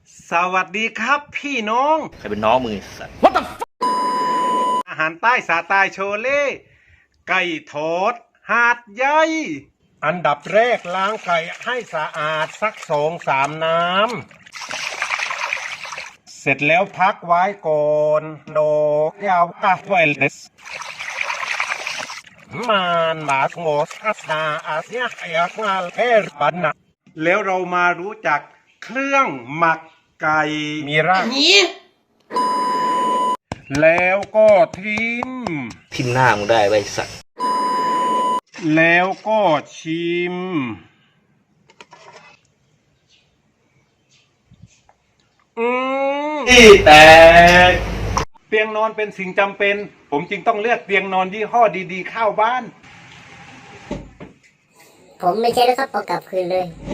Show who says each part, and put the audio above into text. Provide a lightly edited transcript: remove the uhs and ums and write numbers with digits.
Speaker 1: สวัสดีครับพี่น้อง
Speaker 2: ใครเป็นน้องมือสัตว์
Speaker 1: อาหารใต้สาตายโชเล่ไก่ทอดหาดใหญ่อันดับแรกล้างไก่ให้สะอาดสัก2-3 น้ำเสร็จแล้วพักไว้ก่อนโดยาวกาเวลเดสมันบาสโงสอาสนาอาเซียเอกมาเลปันนะแล้วเรามารู้จักเครื่องหมักไก่มีรากแล้วก็ทิ้ม
Speaker 2: ทิ่มหน้ามึงได้ไว้สัตว์
Speaker 1: แล้วก็ชิม
Speaker 2: ที่แตก
Speaker 1: เตียงนอนเป็นสิ่งจำเป็น ผมจึงต้องเลือกเตียงนอนยี่ห้อดีๆเข้าบ้าน
Speaker 3: ผมไม่ใช่แล้วครับเอากลับคืนเลย